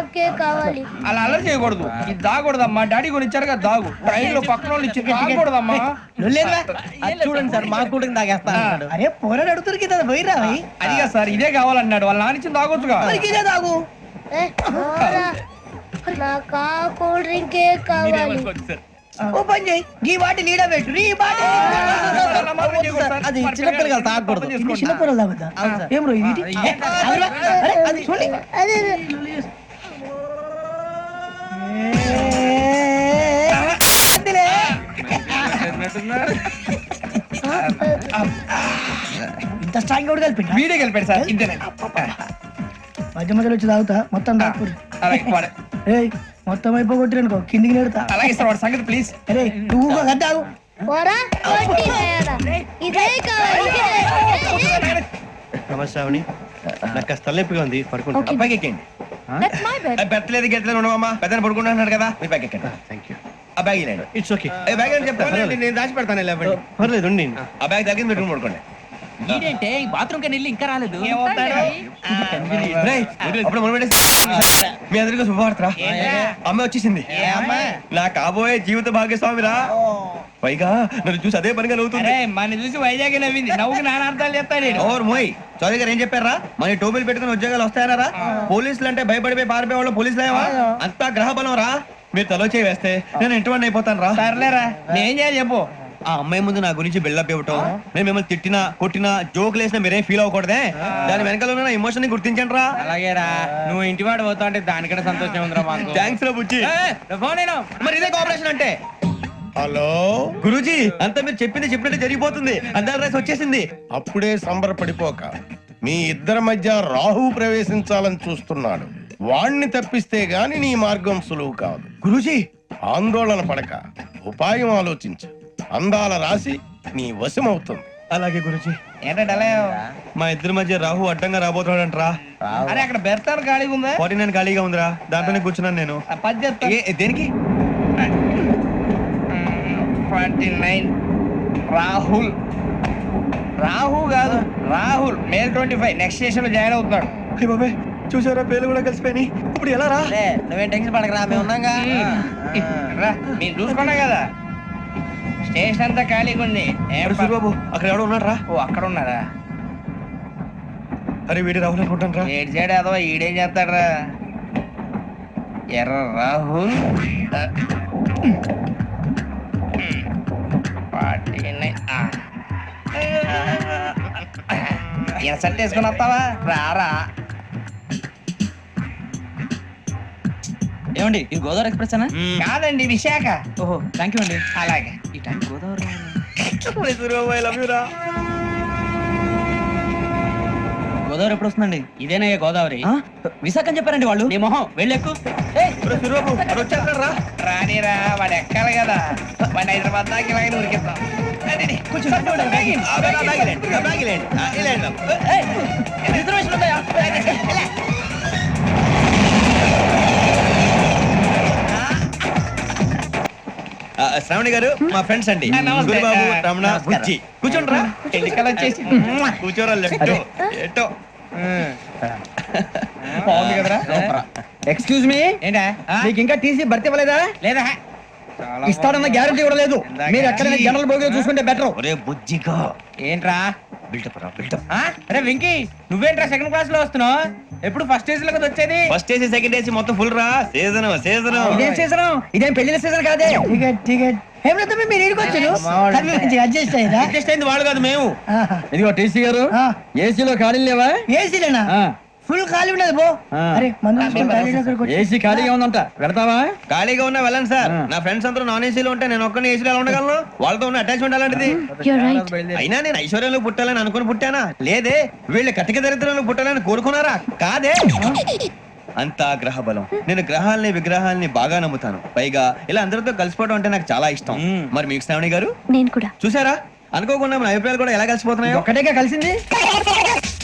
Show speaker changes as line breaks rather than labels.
డ్రింకే కావాలి.
అలా అలర్ చేయకూడదు. ఇది దాగకూడదమ్మా. డాడీ కొని ఇచ్చారు కదా దాగు. ట్రైన్ లో పక్కన వాళ్ళు ఇచ్చి దాగకూడదమ్మా.
చూడండి సార్ మా కూడా తాగేస్తాను.
అరే పోరాడు అడుగుతారు కదా పోయిరా
అదిగా సార్ ఇదే కావాలన్నాడు. వాళ్ళ నాన్న ఇచ్చింది తాగొచ్చుగా.
ఇదే తాగు.
నాకు ఆ కూల్ డ్రింకే కావాలి.
ఓ పని చేయి ఈ బాటి లీడ పెట్టు ఈ బాటి
అది చిన్నపిల్లలు తాగకూడదు.
చిన్నపిల్లలు తాగుతా ఏం రో ఇది అది చూడండి
అదే
ఇంత స్ట్రాంగ్ కూడా కలిపి
వీడే గెలిపాడు సార్. ఇంతేనండి.
మధ్య మధ్యలో వచ్చి తాగుతా మొత్తం తాగుతుంది. ఏయ్ మొత్తం అయిపోగొట్టిరనుకో కిందికి నేడుతా.
అలాగే సార్ వాడి సంగతి ప్లీజ్.
అరే నువ్వు తాగు
పోరా ఇదే కావాలి.
నమస్తే అవని, నాకు కాస్త తలెప్పిగా ఉంది, పడుకుంటా.
పైకి ఎక్కండి. పెట్టలేదు గెట్టలేదు ఉండవమ్మా. పెద్దని పడుకుంటున్నాడు కదా మీరు పైకి ఎక్కండి.
Thank you.
ఆ బ్యాగ్ ఇలాండి.
It's okay.
బ్యాగ్ అని చెప్తాను నేను దాచి పెడతాను.
పర్లేదు ఉండి.
ఆ బ్యాగ్ తగ్గింది పెట్టుకుని పడుకోండి.
ఏంటంటే బాత్రూమ్ కని వెళ్ళి ఇంకా రాలేదు.
అప్పుడు మీ అందరికీ శుభవార్తరా. అమ్మ వచ్చేసింది. నా కాబోయే జీవిత భాగ్యస్వామిరా. పైగా నన్ను చూసి అదే పనిగా నవ్వుతుంది. మన చూసి వైజాగ్ నవ్వింది. నవ్వుకి నాన్న అర్థాలు చెప్తాడు. ఓర్ మోయ్ చౌదరి గారు ఏం చెప్పారా? మన టోబీలు పెట్టుకుని ఉద్యోగాలు వస్తాయనరా? పోలీసులు అంటే భయపడిపోయి పారిపోయే వాళ్ళు పోలీసులేవా? అంతా గ్రహ బలం రా. మీరు తలో చేయి వేస్తే నేను ఇంటివాడిని అయిపోతాను రా. సర్లేరా నేం చేయాలి చెప్పు. ఆ అమ్మాయి ముందు నా గురించి బిల్డప్ ఇవ్వటం, నేను మిమ్మల్ని తిట్టినా కొట్టినా జోకులు వేసినా మీరేం ఫీల్ అవ్వకూడదే. దాని వెనకాల ఉన్న ఎమోషన్ ని గుర్తించండి రా. అలాగేరా. నువ్వు ఇంటివాడు పోతా అంటే దానికంటే సంతోషం ఉందిరా మాకు. థ్యాంక్స్ రా బుజ్జి. మరి ఇదే కోఆపరేషన్ అంటే.
హలో
గురూజీ, అంతా మీరు చెప్పింది చెప్పినట్టు జరిగిపోతుంది. అందరి రైస్ వచ్చేసింది.
అప్పుడే సంబరపడిపోక. మీ ఇద్దరి మధ్య రాహు ప్రవేశించాలని చూస్తున్నాడు. వాణ్ణి తప్పిస్తే గాని నీ మార్గం సులువు కాదు.
గురూజీ
ఆందోళన పడక ఉపాయం ఆలోచించు. అందాల రాశి నీ వశమవుతుంది.
అలాగే గురూజీ. ఏంటంటే మా ఇద్దరి మధ్య రాహు అడ్డంగా రాబోతున్నాడంటరా. అరే అక్కడ బెర్తాను ఖాళీగా ఉందా? 49 ఖాళీగా ఉందిరా. దాంట్లోనే కూర్చున్నాను నేను. దేనికి? 49 రాహుల్. రాహు కాదు రాహుల్. మే 25 నెక్స్ట్ స్టేషన్ లో జాయిన్ అవుతున్నాడు. అయ్య బాబాయ్ చూసారా పేర్లు కూడా కలిసిపోయి. ఇప్పుడు ఎలా రా?
నువ్వేం టెన్షన్ పడకరా, మేము ఉన్నాగా.
మీరు చూసుకున్నా కదా స్టేషన్ అంతా ఖాళీగా ఉంది. బాబు అక్కడ ఎవడో ఉన్నాడు రా. ఓ అక్కడ ఉన్నారా? అరే వీడి రాహుల్ అనుకుంటాను రా. ఏడు చేయడం అదవా ఈడేం చేస్తాడరా? ఎర్ర రాహుల్. సెట్ వేసుకుని వస్తావా? రారా.
ఏమండి ఇది గోదావరి ఎక్స్ప్రెస్ అనా?
కాదండి విశాఖ.
ఓహో థ్యాంక్ యూ అండి.
అలాగే.
ఈ టైం గోదావరి గోదావరి ఎప్పుడు వస్తుందండి? ఇదేనయ్య గోదావరి. విశాఖ అని చెప్పారండి వాళ్ళు. నీ మొహం వెళ్ళెక్కు.
రానిరా వాడు ఎక్కాలి కదా. వాడిని హైదరాబాద్ దాకా ఇలాగే ఉరికిద్దాం. శ్రావణి గారు మా ఫ్రెండ్స్ అండి. గురుబాబు రమణ బుజ్జి. కూర్చోండి రా. ఎన్నికలు వచ్చేసి కూర్చోరా. లెఫ్ట్ ఎటో బాగుంది కదరా.
ఎక్స్క్యూజ్ మీ
ఏంటా
మీకు ఇంకా టీసీ భర్తీ ఇవ్వలేదా?
లేదా
ఇస్తాడన్న గ్యారంటీ కూడా లేదు. మీరు ఎక్కడైనా జనరల్ బోగిలో చూసుకుంటే బెటర్.
ఒరే బుజ్జిగా ఏంట్రా బిల్డప్ రా బిల్డప్. అరే వెంకీ నువ్వేంట్రా సెకండ్ క్లాస్ లో వస్తున్నావు? ఎప్పుడు ఫస్ట్ ఏసీ లో కదా వచ్చేది. ఫస్ట్ ఏసీ సెకండ్ ఏసీ మొత్తం ఫుల్ రా. Season season.
ఇదేం సీజన్? ఇదేం పెళ్లిన సీజన్ కాదే. టికెట్ టికెట్ ఏమిటో మీరు ఇరుకొచ్చారు. అడ్జస్ట్ అయ్యారా?
అడ్జస్ట్ అయింది వాళ్ళు కాదు మేము.
ఇదిగో టీసీ గారు ఏసీలో ఖాళీ లేవా? ఏసీలేనా? ఫుల్ ఖాళీ ఉండదు బో. అరే ఏసీ ఖాళీగా ఉందంట పెడతావా?
ఖాళీగా ఉన్నా వెళ్ళండి సార్. నా ఫ్రెండ్స్ అందరూ నాన్ ఏసీలో ఉంటే నేను ఒక్కనే ఏసీలో ఎలా ఉండగలను? వాళ్ళతో ఉన్న అటాచ్మెంట్ అలాంటిది. అయినా నేను ఐశ్వర్యంలో పుట్టాలని అనుకుని పుట్టానా? లేదే. వీళ్ళు కటిక దరిద్రంలో పుట్టాలని కోరుకున్నారా? కాదే. అంతా గ్రహ బలం. నేను గ్రహాలని విగ్రహాలని బాగా నమ్ముతాను. పైగా ఇలా అందరితో కలిసిపోవడం అంటే నాకు చాలా ఇష్టం. మరి మీకు శ్రావణి గారు?
నేను కూడా
చూసారా అనుకోకుండా మన అభిప్రాయాలు కూడా ఎలా కలిసిపోతున్నాయి.
ఒక్కటేగా కలిసింది.